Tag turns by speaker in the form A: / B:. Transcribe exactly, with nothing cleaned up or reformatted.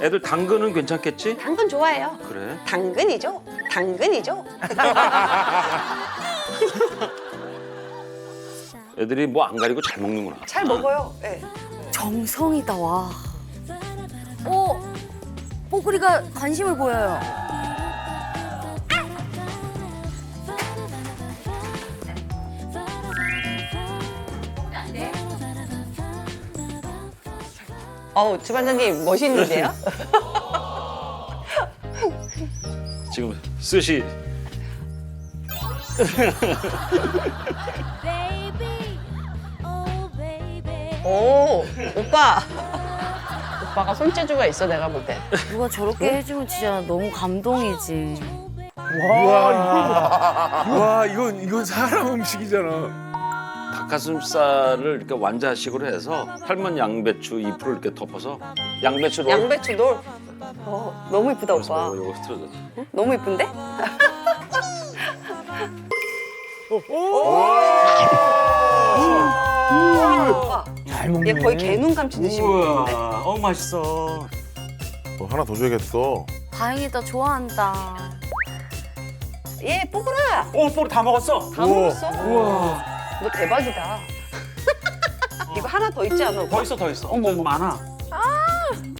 A: 애들 당근은 괜찮겠지?
B: 당근 좋아해요.
A: 그래.
B: 당근이죠. 당근이죠.
A: 애들이 뭐 안 가리고 잘 먹는구나.
B: 잘 먹어요. 네.
C: 정성이다 와. 오, 뽀글이가 관심을 보여요.
B: 어우, 주반장님 멋있는데요?
A: 지금 스시
B: 오, 오빠. 오빠가 손재주가 있어, 내가 볼 때.
C: 누가 저렇게 해주면 진짜 너무 감동이지.
D: 와 이건 이건 사람 음식이잖아.
A: 닭가슴살을 이렇게 완자식으로 해서 삶은 양배추 잎으로 이렇게 덮어서 양배추로
B: 양배추 놀. 어, 너무 이쁘다, 오빠.
A: 어, 이거 틀어져.
B: 너무 이쁜데?
D: 잘 먹네.
B: 얘 거의 개눈 감치듯이 먹는데?
A: 어 맛있어.
E: 어, 하나 더 줘야겠어.
C: 다행이다, 좋아한다.
B: 얘 뽀글아.
A: 오, 뽀리 다 먹었어.
B: 다 먹었어? 우와. 너 대박이다. 이거 하나 더 있지 않아, 오빠?
A: 더 있어, 더 있어. 어머, 많아.